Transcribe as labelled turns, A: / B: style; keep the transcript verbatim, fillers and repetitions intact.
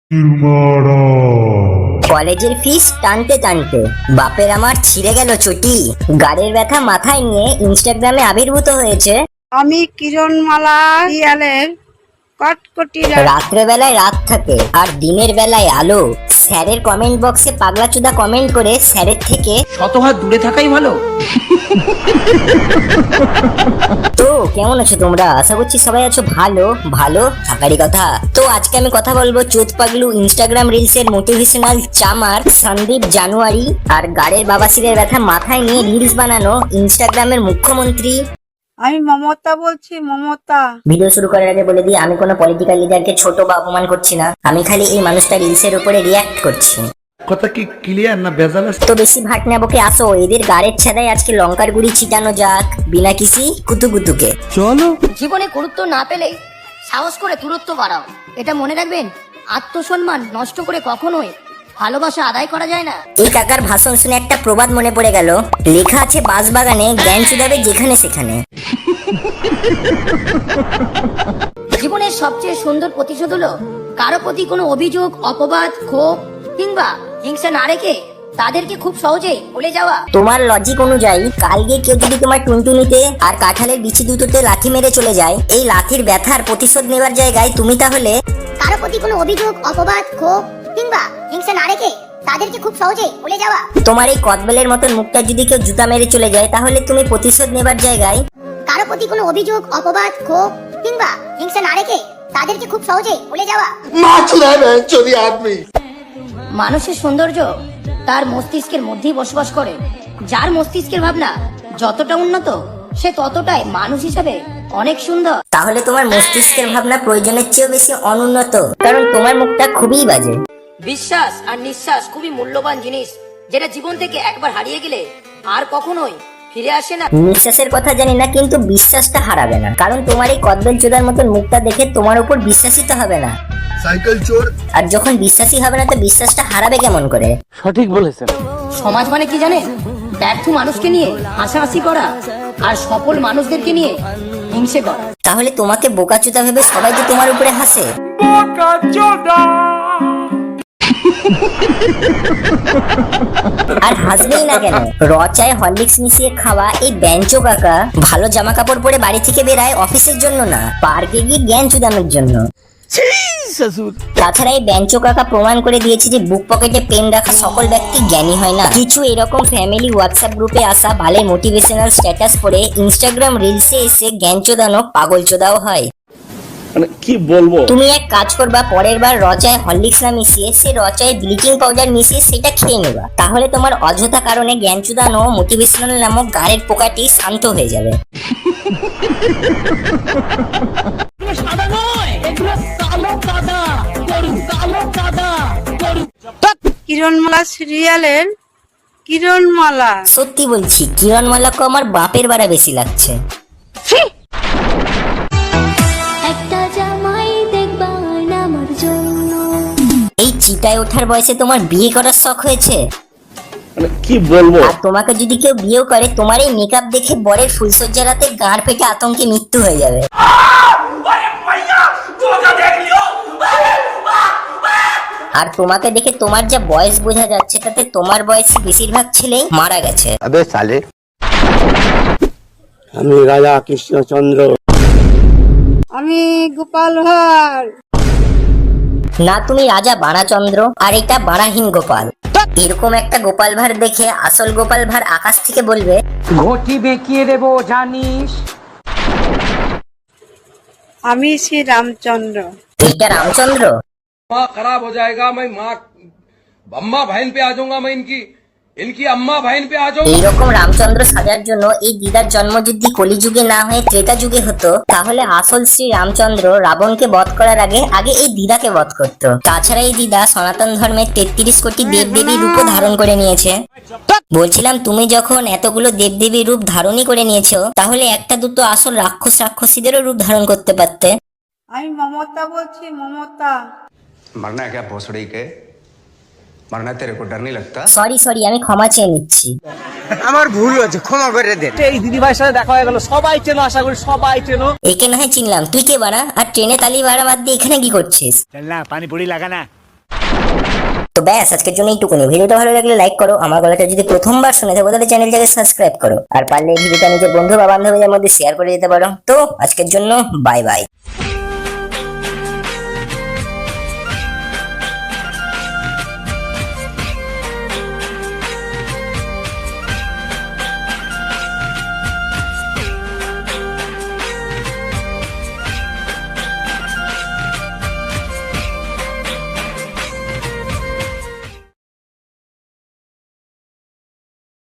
A: কলেজের ফিস টানতে টানতে বাপের আমার ছিঁড়ে গেল চটি। গাড়ির ব্যথা মাথায় নিয়ে ইনস্টাগ্রামে আবির্ভূত হয়েছে
B: আমি কিরণমালা সিরিয়ালের কটকটি
A: রাত্রে বেলায় রাত থাকে আর দিনের বেলায় আলো। স্যারের কমেন্ট বক্সে পাগলা চুদা কমেন্ট করে স্যারের থেকে
C: শত হাত দূরে থাকাই ভালো।
A: তো কেমন আছো তোমরা? আশা করছি সবাই আছো ভালো। ভালো থাকারই কথা। তো আজকে আমি কথা বলবো চোদ পাগলু ইনস্টাগ্রাম রিলস এর মোটিভেশনাল চামার সন্দীপ জানুয়ারি আর গাড়ির বাবাসিরের ব্যথা মাথায় নিয়ে রিলস বানানো ইনস্টাগ্রামের মুখ্যমন্ত্রী।
B: আমি মমতা বলছি, মমতা।
A: ভিডিও শুরু করার আগে বলে দিই, আমি কোনো পলিটিক্যাল লিডারকে ছোট বা অপমান করছি না। আমি খালি এই মানুষটা রিলসের উপরে রিয়াক্ট করছি।
D: কথা কি ক্লিয়ার না ভেজাল আছে?
A: তো বেশি ভাট নেবকে আসো, এদের গাড়ির ছাদায় আজকে লঙ্কার গুড়ি ছিটানো যাক বিনা কিসি কুতুকুতুকে।
D: চলো।
E: জীবনে গুরুত্ব না পেলে সাহস করে দূরত্ব বাড়াও। এটা মনে রাখবেন, আত্মসম্মান নষ্ট করে কখনোই ভালোবাসা আদায় করা যায় না।
A: এই কাকার ভাষণ শুনে একটা প্রবাদ মনে পড়ে গেল। লেখা আছে বাঁশবাগানে জ্ঞান চুদাবে যেখানে সেখানে।
E: জীবনের সবচেয়ে সুন্দর প্রতিশোধ হলো কারো প্রতি কোনো অভিযোগ, অপবাদ, ক্ষোভ কিংবা হিংসা না রেখে তাদেরকে খুব সহজেই ভুলে যাওয়া।
A: তোমার লজিক অনুযায়ী কাল গিয়ে কেউ যদি তোমার টুনটুনিতে আর কাঁঠালের বিচি দুটোতে লাথি মেরে চলে যায়, এই লাথির ব্যথার প্রতিশোধ নেওয়ার জায়গায় তুমি তাহলে
E: কারো প্রতি কোনো অভিযোগ, অপবাদ, ক্ষোভ কিংবা হিংসা না রেখে তাদেরকে খুব সহজেই ভুলে যাওয়া।
A: তোমার এই কদবেলের মতন মুখটা যদি কেউ জুতা মেরে চলে যায়, তাহলে তুমি প্রতিশোধ নেবার জায়গায়
E: কারো প্রতি কোনো অভিযোগ, অপবাদ, ক্ষোভ কিংবা হিংসা না রেখে তাদেরকে খুব সহজেই ভুলে যাওয়া। মানুষের সৌন্দর্য তার মস্তিষ্কের মধ্যেই বসবাস করে। যার মস্তিষ্কের ভাবনা যতটা উন্নত, সে ততটাই মানুষ হিসাবে অনেক সুন্দর।
A: তাহলে তোমার মস্তিষ্কের ভাবনা প্রয়োজনের চেয়েও বেশি অনুন্নত, কারণ তোমার মুখটা খুবই বাজে।
E: বিশ্বাস আর নিঃশ্বাস খুবই মূল্যবান জিনিস, যেটা জীবন থেকে একবার হারিয়ে গেলে আর কখনোই ফিরে আসে না।
A: নিঃশ্বাসের কথা জানি না, কিন্তু বিশ্বাসটা হারাবে না, কারণ তোমার এই কদবেল চোদার মতন মুখটা দেখে তোমার উপর বিশ্বাসই তো হবে না।
D: সাইকেল চোর।
A: আর যখন বিশ্বাসই হবে না, তো বিশ্বাসটা হারাবে কেমন করে?
D: সঠিক বলেছেন।
E: সমাজ মানে কি জানেন? ব্যর্থ মানুষকে নিয়ে হাসাহাসি করা আর সফল মানুষদেরকে নিয়ে হিংসে করা।
A: তাহলে তোমাকে বোকাচোদা ভেবে সবাই যে তোমার উপরে হাসে। আর হাসবেই না কেন? র চায় হরলিক্স মিশিয়ে খাওয়া এই বেঞ্চো কাকা ভালো জামা কাপড় পরে বাড়ি থেকে বেরায় অফিসের জন্য না, পার্কে গিয়ে জ্ঞান চুদানোর জন্য। তাছাড়া এই বেঞ্চো কাকা প্রমাণ করে দিয়েছে যে বুক পকেটে পেন রাখা সকল ব্যক্তি জ্ঞানী হয় না। কিছু এরকম ফ্যামিলি হোয়াটসঅ্যাপ গ্রুপে আসা ভালো মোটিভেশনাল স্ট্যাটাস পড়ে ইনস্টাগ্রাম রিলসে এসে জ্ঞান চোদানো পাগল চোদাও হয়।
D: মানে কি বলবো?
A: তুমি এক কাজ করবা, পরের বার রচায় হরলিক্স না মিশিয়ে সে রচায় ব্লিচিং পাউডার মিশিয়ে সেটা খেয়ে নেবা। তাহলে তোমার অযথা কারণে জ্ঞান চুদানো মোটিভেশনাল নামক গাড়ির পোকাটি শান্ত হয়ে যাবে।
B: কিরণমালা সিরিয়ালের কিরণমালা।
A: সত্যি বলছি, কিরণমালাকে আমার বাপের বাড়া বেশি লাগছে।
F: একটা জামাই দেখবা আমার জন্য।
A: এই চিটায় ওঠার বয়সে তোমার বিয়ে করার শখ হয়েছে?
D: মানে কি বলবো?
A: আর তোমাকে যদি কেউ বিয়ে করে, তোমার এই মেকআপ দেখে বরের ফুলসজ্জা রাতে গাঁড় ফেটে আতঙ্কে মৃত্যু হয়ে যাবে। আর তোমাকে দেখে তোমার যা বয়স বোঝা যাচ্ছে, তাতে তোমার বয়সী বেশিরভাগ ছেলেই মারা গেছে।
G: আবে সালে, আমি রাজা কৃষ্ণচন্দ্র।
B: আমি গোপাল ভাঁড়।
A: না, তুমি রাজা বাণাচন্দ্র আর এটা বাণাহীন গোপাল। এরকম একটা গোপাল ভাঁড় দেখে আসল গোপাল ভাঁড় আকাশ থেকে বলবে,
C: ঘটি বেঁকিয়ে দেবো জানিস।
B: আমি শ্রী রামচন্দ্র।
A: এইটা রামচন্দ্র।
H: माँ खराब हो जाएगा, मैं माँ अम्मा बहन पे आ जाऊंगा, मैं इनकी इनकी अम्मा बहन पे आ जाऊंगा।
A: এইরকম রামচন্দ্র সাজার জন্য এই দিদার জন্ম যদি কলিযুগে না হয়ে ত্রেতা যুগে হতো, তাহলে আসল শ্রী রামচন্দ্র রাবণকে বধ করার আগে আগে এই দিদাকে বধ করত। তাছাড়া এই দিদা সনাতন ধর্মের তেত্রিশ কোটি দেবদেবী রূপও ধারণ করে নিয়েছে। বলছিলাম, তুমি যখন এতগুলো দেবদেবী রূপ ধারণই করে নিয়েছো, তাহলে একটা দুটো আসল রাক্ষস রাক্ষসীদেরও রূপ ধারণ করতে পারতে।
B: আমি মমতা বলছি, মমতা।
G: मरना है क्या भोसड़ी के? मरना तेरे को डर नहीं लगता?
A: সরি সরি, আমি ক্ষমা চেয়ে নিচ্ছি।
G: আমার ভুল হয়েছে, ক্ষমা করে দেন।
C: এই দিদি ভাইয়ের সাথে দেখা হয়ে গেল, সবাই চেনো, আশা করি সবাই চেনো।
A: একে না হয় চিনলাম, তুই কে বাড়া? আর ট্রেনে তালি ভাড়া বাদ দিয়ে এখানে কি করছিস?
I: चलना पानी पूरी लगाना।
A: তো ব্যাস আজকের জন্য এইটুকুনি। ভিডিওটা ভালো লাগলে লাইক করো, আমার গলাটা যদি প্রথমবার শুনে থাকো তাহলে চ্যানেলটাকে সাবস্ক্রাইব করো, আর পারলে এই ভিডিওটা নিজের বন্ধু বা বান্ধবীদের মধ্যে শেয়ার করে দিতে পারো। তো আজকের জন্য বাই বাই।